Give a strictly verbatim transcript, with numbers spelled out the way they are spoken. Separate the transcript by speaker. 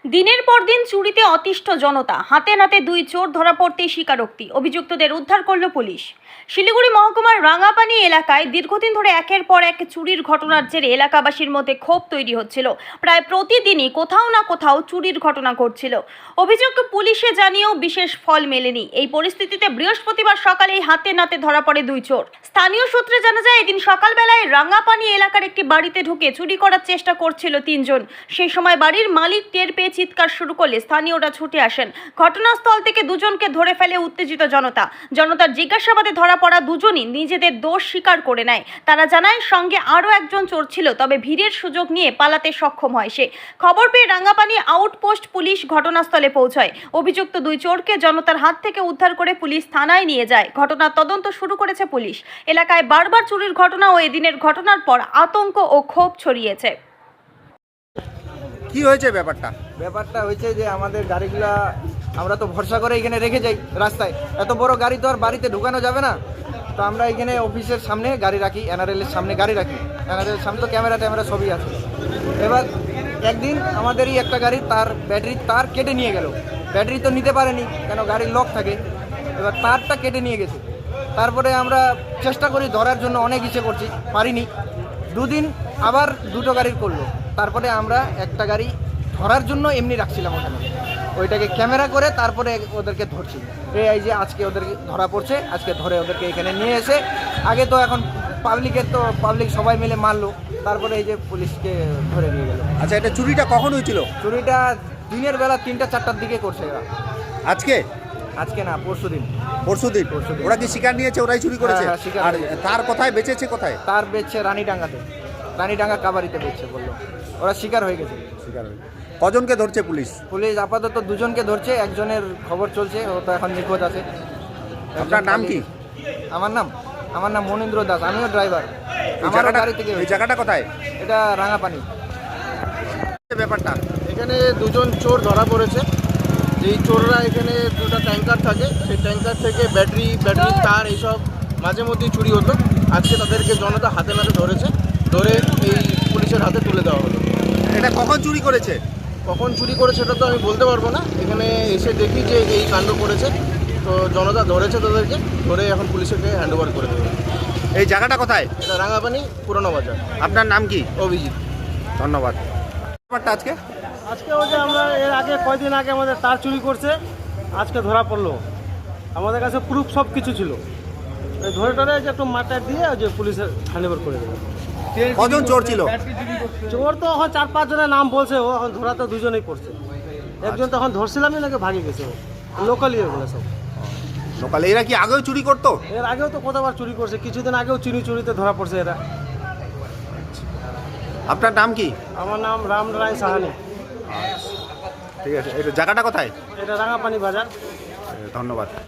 Speaker 1: দিনের পর দিন চুরিতে অতিষ্ঠ জনতা। হাতে নাতে দুই চোর ধরা পড়তেই স্বীকারোক্তি। অভিযুক্তদের উদ্ধার করল পুলিশ। শিলিগুড়ি মহকুমার রাঙাপানি এলাকায় দীর্ঘদিন ধরে একের পর এক চুরির ঘটনার জেরে এলাকাবাসীর মধ্যে ক্ষোভ তৈরি হচ্ছিল। প্রায় প্রতিদিনই কোথাও না কোথাও চুরির ঘটনা ঘটছিল। অভিযোগ পুলিশে জানিয়েও বিশেষ ফল মেলেনি। এই পরিস্থিতিতে বৃহস্পতিবার সকালেই হাতে নাতে ধরা পড়ে দুই চোর। স্থানীয় সূত্রে জানা যায়, এদিন সকালবেলায় রাঙাপানি এলাকার একটি বাড়িতে ঢুকে চুরি করার চেষ্টা করছিল তিনজন। সেই সময় বাড়ির মালিক টের পেয়ে চিৎকার শুরু করলে স্থানীয়রা ছুটে আসেন। ঘটনাস্থল থেকে দুজনকে ধরে ফেলে উত্তেজিত জনতা। জনতার জিজ্ঞাসাবাদে ধরা পড়া দুজনই নিজেদের দোষ স্বীকার করে নেয়। তারা জানায়, সঙ্গে আরও একজন চোর ছিল, তবে ভিড়ের সুযোগ নিয়ে পালাতে সক্ষম হয় সে। খবর পেয়ে রাঙাপানি আউটপোস্ট পুলিশ ঘটনাস্থলে পৌঁছায়। অভিযুক্ত দুই চোরকে জনতার হাত থেকে উদ্ধার করে পুলিশ থানায় নিয়ে যায়। ঘটনার তদন্ত শুরু করেছে পুলিশ। এলাকায় বারবার চুরির ঘটনা ও এদিনের ঘটনার পর আতঙ্ক ও ক্ষোভ ছড়িয়েছে।
Speaker 2: কি হয়েছে ব্যাপারটা?
Speaker 3: ব্যাপারটা হয়েছে যে আমাদের গাড়িগুলা আমরা তো ভরসা করে এখানে রেখে যাই রাস্তায়। এত বড় গাড়ি তো আর বাড়িতে ঢুকানো যাবে না, তো আমরা এখানে অফিসের সামনে গাড়ি রাখি, এনআরএলের সামনে গাড়ি রাখি। এনআরএলের সামনে তো ক্যামেরা ট্যামেরা সবই আছে। এবার একদিন আমাদেরই একটা গাড়ি তার ব্যাটারির তার কেটে নিয়ে গেল। ব্যাটারি তো নিতে পারেনি, কেন গাড়ির লক থাকে। এবার তারটা কেটে নিয়ে গেছে। তারপরে আমরা চেষ্টা করি ধরার জন্য, অনেক ইচ্ছে করছি, পারিনি। দুদিন আবার দুটো গাড়ির করলো। তারপরে আমরা একটা গাড়ি ধরার জন্য এমনি রাখছিলাম ওখানে, ওইটাকে ক্যামেরা করে তারপরে ওদেরকে ধরছি। এই যে আজকে ওদেরকে ধরা পড়ছে, আজকে ধরে ওদেরকে এখানে নিয়ে এসে, আগে তো এখন পাবলিকের তো পাবলিক সবাই মিলে মারলো, তারপরে এই যে পুলিশকে ধরে নিয়ে গেল।
Speaker 2: আচ্ছা, এটা চুরিটা কখন হয়েছিল?
Speaker 3: চুরিটা দিনের বেলা তিনটা চারটার দিকে করছে এরা।
Speaker 2: আজকে?
Speaker 3: আজকে না, পরশু দিন।
Speaker 2: পরশু দিন। ওরা কি শিকার নিয়েছে? ওরাই চুরি করেছে?
Speaker 3: হ্যাঁ, হ্যাঁ, শিকার
Speaker 2: আর
Speaker 3: নিয়েছে।
Speaker 2: তার কোথায় বেঁচেছে? কোথায়
Speaker 3: তার বেচছে রানীডাঙ্গাতে, রানীডাঙ্গা কাবারিতে বেচছে বললো। ওরা শিকার হয়ে গেছে।
Speaker 2: শিকার হয়ে কজনকে ধরছে পুলিশ?
Speaker 3: পুলিশ আপাতত দুজনকে ধরছে, একজনের খবর চলছে, ও তো এখন নিখোঁজ আছে।
Speaker 2: আপনার নাম কি?
Speaker 3: আমার নাম আমার নাম মনীন্দ্র দাস, আমিও ড্রাইভার।
Speaker 2: এই
Speaker 3: আমার
Speaker 2: জায়গাটা-
Speaker 3: গাড়ি থেকে
Speaker 2: এই জায়গাটা কোথায়?
Speaker 3: এটা রাঙাপানি।
Speaker 2: ব্যাপারটা
Speaker 4: এখানে দুজন চোর ধরা পড়েছে। যেই চোররা এখানে দুটো ট্যাঙ্কার থাকে, সেই ট্যাঙ্কার থেকে ব্যাটারি ব্যাটারি তার এইসব মাঝে মধ্যেই চুরি হতো। আজকে তাদেরকে জনতা হাতে নাতে ধরেছে, ধরে এই পুলিশের হাতে তুলে দেওয়া হলো।
Speaker 2: এটা কখন চুরি করেছে?
Speaker 4: কখন চুরি করেছে সেটা তো আমি বলতে পারবো না। এখানে এসে দেখি যে এই কাণ্ড করেছে, তো জনতা ধরেছে তাদেরকে, ধরে এখন পুলিশকে হ্যান্ড ওভার করে দেবে।
Speaker 2: এই জায়গাটা কোথায়?
Speaker 4: এটা রাঙাপানি পুরনো বাজার।
Speaker 2: আপনার নাম কি?
Speaker 4: অভিজিৎ।
Speaker 2: ধন্যবাদ। ব্যাপারটা আজকে
Speaker 5: আজকে ওই যে আমরা এর আগে কয়দিন আগে আমাদের তার চুরি করছে, আজকে ধরা পড়লো। আমাদের কাছে প্রুফ সব কিছু ছিল, এই ধরে টরে যে একটু মাটার দিয়ে ওই যে পুলিশের হ্যান্ডওভার করে দেবে।
Speaker 2: কজন চোর ছিল?
Speaker 5: চোর তো এখন চার পাঁচ জনের নাম বলছে, ও এখন ধরা তো দুজনেই পড়ছে। একজন তখন ধরছিলামই নাকি ভাগে গেছে, ও লোকালি ওগুলো সব।
Speaker 2: সকালে এরা কি আগেও চুরি করতো?
Speaker 5: এর আগেও তো কতবার চুরি করছে, কিছুদিন আগেও চিনি চুরিতে ধরা পড়ছে এরা।
Speaker 2: আপনার নাম কি?
Speaker 5: আমার নাম রাম রায় সাহানি।
Speaker 2: ঠিক আছে, এটা জায়গাটা কোথায়?
Speaker 5: এটা রাঙাপানি বাজার।
Speaker 2: ধন্যবাদ।